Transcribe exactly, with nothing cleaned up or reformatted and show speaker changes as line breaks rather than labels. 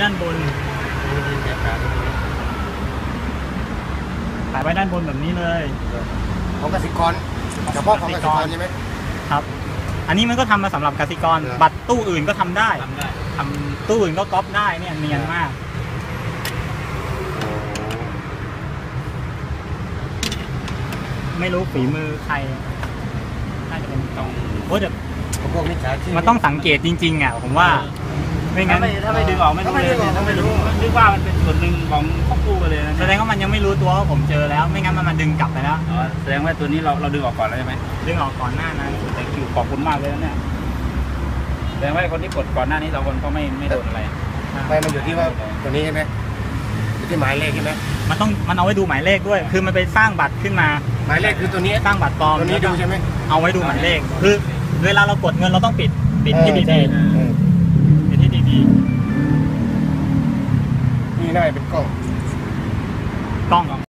ด้านบนถ่ายไว้ด้านบนแบบนี้เลย
ของกสิกรเฉพาะของกสิกรใช่ไหม
ครับอันนี้มันก็ทำมาสำหรับกสิกรบัตรตู้อื่นก็ทำได้
ทำได้
ทำตู้อื่นก็ก๊อปได้เนี่ยเนียนมากไม่รู้ฝีมือใครน่าจะเป็นต้องโอ้แต่
พวกมิจฉาชีพ
มันต้องสังเกตจริงๆอ่ะผมว่าไม่งั้น
ถ้าไม่ดึงออกไม่รู้เลยถ้าไม่รู้นึกว่ามันเป็นส่วนหนึ่งของครอบครัวเลยนะ
แสดงว่ามันยังไม่รู้ตัวว่าผมเจอแล้วไม่งั้นมันมาดึงกลับไปแล้ว
แสดงว่าตัวนี้เราเราดึงออกก่อนแล้วใช่ไหม
ดึงออกก่อนหน้านั้น
แต่คิวขอบคุณมากเลยนะเนี่ยแสดงว่าคนที่กดก่อนหน้านี้สองคนก็ไม่ไม่โดนอะไร
ไม่มันอยู่ที่ว่าตัวนี้ใช่ไหมอยู่ที่หมายเลขใช่ไหม
มันต้องมันเอาไว้ดูหมายเลขด้วยคือมันไปสร้างบัตรขึ้นมา
หมายเลขคือตัวนี้
สร้างบัตรปลอม
ตัวนี้ดูใช่ไหม
เอาไว้ดูหมายเลขคือเวลาเรากดเงินเราต้องปิดปิดที่ดีๆปิดที่ดี
ๆนี่น่าจะเป็นกล้อง
กล้อง